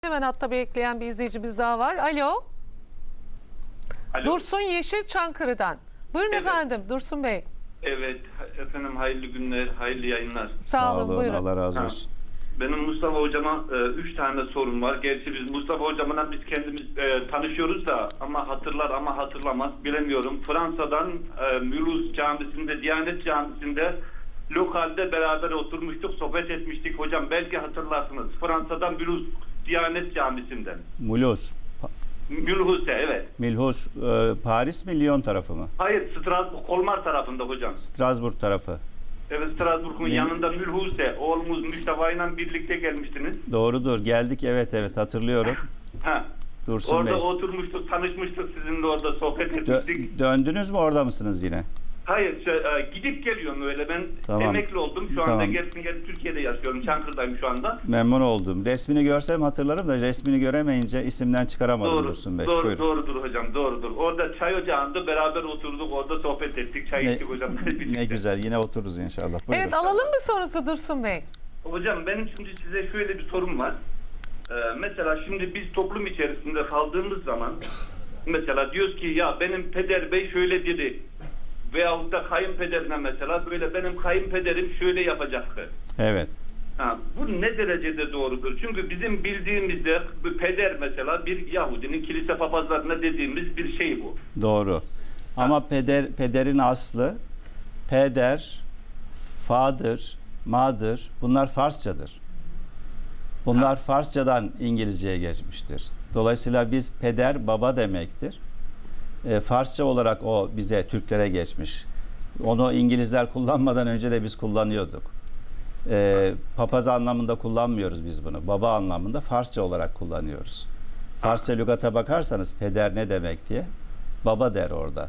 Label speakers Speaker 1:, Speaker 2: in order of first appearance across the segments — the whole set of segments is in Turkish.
Speaker 1: Hemen hatta bekleyen bir izleyicimiz daha var. Alo.
Speaker 2: Alo.
Speaker 1: Dursun Yeşil Çankırı'dan. Buyurun
Speaker 2: Evet.
Speaker 1: efendim Dursun Bey.
Speaker 2: Evet efendim, hayırlı günler, hayırlı yayınlar.
Speaker 1: Sağ olun, buyurun.
Speaker 3: Allah razı
Speaker 2: Ha.
Speaker 3: olsun.
Speaker 2: Benim Mustafa hocama 3 tane sorum var. Gerçi biz Mustafa hocamla biz kendimiz tanışıyoruz da ama hatırlar ama hatırlamaz bilemiyorum. Fransa'dan Mulhouse Camisi'nde, Diyanet Camisi'nde lokalde beraber oturmuştuk, sohbet etmiştik hocam. Belki hatırlarsınız. Fransa'dan Mulhouse Diyanet Camisi'nden.
Speaker 3: Mulhouse.
Speaker 2: Mulhouse, evet.
Speaker 3: Mulhouse, Paris mi, Lyon tarafı mı?
Speaker 2: Hayır, Strasbourg, Kolmar tarafında hocam.
Speaker 3: Strasbourg tarafı.
Speaker 2: Evet, Strasbourg'un yanında Mulhouse, oğlumuz Mustafa ile birlikte gelmiştiniz.
Speaker 3: Doğrudur. Geldik, evet hatırlıyorum.
Speaker 2: Ha.
Speaker 3: Dursun
Speaker 2: Orada
Speaker 3: Bey.
Speaker 2: oturmuştuk, tanışmıştık, sizinle orada sohbet etmiştik.
Speaker 3: Döndünüz mü, orada mısınız yine?
Speaker 2: Hayır, gidip geliyorum öyle. Ben
Speaker 3: Tamam.
Speaker 2: emekli oldum. Şu anda
Speaker 3: Tamam.
Speaker 2: gel Türkiye'de yaşıyorum. Çankırı'dayım şu anda.
Speaker 3: Memnun oldum. Resmini görsem hatırlarım da resmini göremeyince isimden çıkaramadım
Speaker 2: Doğru,
Speaker 3: Dursun Bey. Buyurun.
Speaker 2: doğrudur hocam, doğrudur. Orada çay ocağında beraber oturduk, orada sohbet ettik, çay içtik hocam.
Speaker 3: Ne güzel. Yine otururuz inşallah. Buyurun.
Speaker 1: Evet, alalım mı sorusu Dursun Bey?
Speaker 2: Hocam benim şimdi size şöyle bir sorum var. Mesela şimdi biz toplum içerisinde kaldığımız zaman mesela diyoruz ki ya benim peder bey şöyle dedi. Veyahut da kayınpederine mesela böyle benim kayınpederim şöyle yapacaktı.
Speaker 3: Evet.
Speaker 2: Ha, bu ne derecede doğrudur? Çünkü bizim bildiğimizde bir peder mesela bir Yahudinin kilise papazlarına dediğimiz bir şey bu.
Speaker 3: Doğru. Ama pederin aslı peder, father, mother, bunlar Farsçadır. Bunlar Farsçadan İngilizceye geçmiştir. Dolayısıyla biz peder baba demektir. Farsça olarak o bize Türklere geçmiş. Onu İngilizler kullanmadan önce de biz kullanıyorduk. Papaz anlamında kullanmıyoruz biz bunu. Baba anlamında Farsça olarak kullanıyoruz. Farsça lügata bakarsanız peder ne demek diye baba der orada.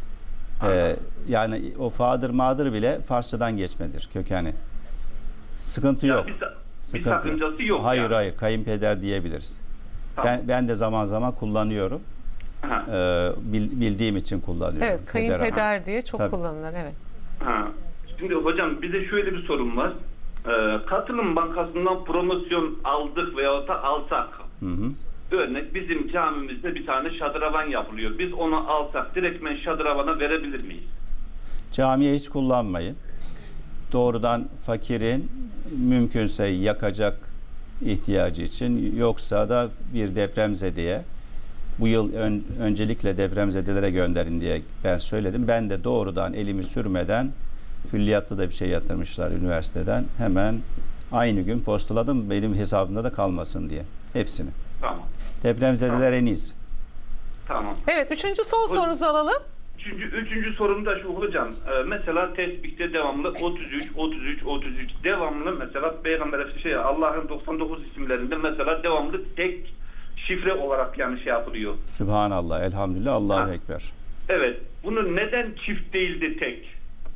Speaker 3: Yani o father mother bile Farsçadan geçmedir kökeni. Sıkıntı yok.
Speaker 2: Bir sakıncası yok.
Speaker 3: Hayır
Speaker 2: yani.
Speaker 3: hayır, kayınpeder diyebiliriz.
Speaker 2: Tamam.
Speaker 3: Ben de zaman zaman kullanıyorum. Bildiğim için kullanıyorum.
Speaker 1: Evet, kayınpeder diye çok
Speaker 3: Tabii.
Speaker 1: kullanılır, evet.
Speaker 2: Ha. Şimdi hocam bize şöyle bir sorun var. Katılım Bankası'ndan promosyon aldık veyahut da alsak.
Speaker 3: Hı.
Speaker 2: Örnek bizim camimizde bir tane şadıravan yapılıyor. Biz onu alsak direktmen şadıravana verebilir miyiz?
Speaker 3: Camiye hiç kullanmayın. Doğrudan fakirin mümkünse yakacak ihtiyacı için, yoksa da bir depremzedeye, bu yıl öncelikle depremzedelere gönderin diye ben söyledim. Ben de doğrudan elimi sürmeden, külliyatta da bir şey yatırmışlar üniversiteden, hemen aynı gün postaladım, benim hesabımda da kalmasın diye hepsini.
Speaker 2: Tamam.
Speaker 3: Depremzedeler en iyisi.
Speaker 2: Tamam.
Speaker 1: Evet, üçüncü son sorunuzu alalım.
Speaker 2: Üçüncü sorum da şu hocam. Mesela tesbihte devamlı 33 devamlı mesela Peygamber Allah'ın 99 isimlerinde mesela devamlı tek şifre olarak yani şey yapılıyor.
Speaker 3: Sübhanallah, elhamdülillah, Allahu Ekber.
Speaker 2: Evet. Bunu neden çift değildi tek?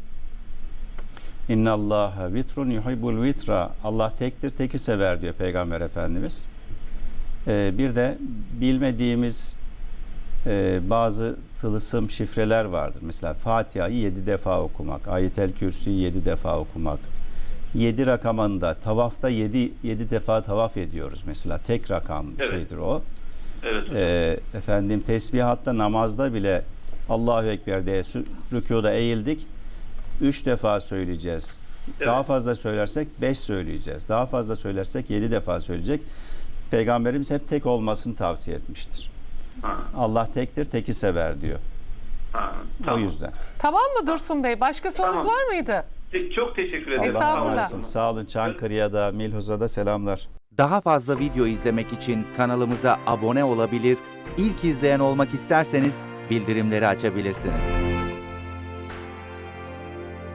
Speaker 3: İnnallâhe vitrun yuhibbul vitra. Allah tektir, teki sever diyor Peygamber Efendimiz. Bir de bilmediğimiz bazı tılsım şifreler vardır. Mesela Fatiha'yı 7 defa okumak, Ayet-el Kürsü'yü 7 defa okumak. 7 rakamında, tavafta 7 defa tavaf ediyoruz mesela. Tek rakam şeydir o.
Speaker 2: Evet.
Speaker 3: Efendim tesbihatta, namazda bile Allahu Ekber diye rükuda eğildik. 3 defa söyleyeceğiz.
Speaker 2: Evet.
Speaker 3: Daha fazla söylersek 5 söyleyeceğiz. Daha fazla söylersek 7 defa söyleyecek. Peygamberimiz hep tek olmasını tavsiye etmiştir. Allah tektir, teki sever diyor.
Speaker 2: Tamam.
Speaker 3: O yüzden.
Speaker 1: Tamam mı Dursun Bey? Başka sorunuz
Speaker 2: Tamam.
Speaker 1: var mıydı?
Speaker 2: Çok teşekkür ederim.
Speaker 1: Estağfurullah.
Speaker 2: Sağ olun.
Speaker 3: Sağ olun. Çankırı'ya da, Milhuz'a da selamlar.
Speaker 4: Daha fazla video izlemek için kanalımıza abone olabilir, ilk izleyen olmak isterseniz bildirimleri açabilirsiniz.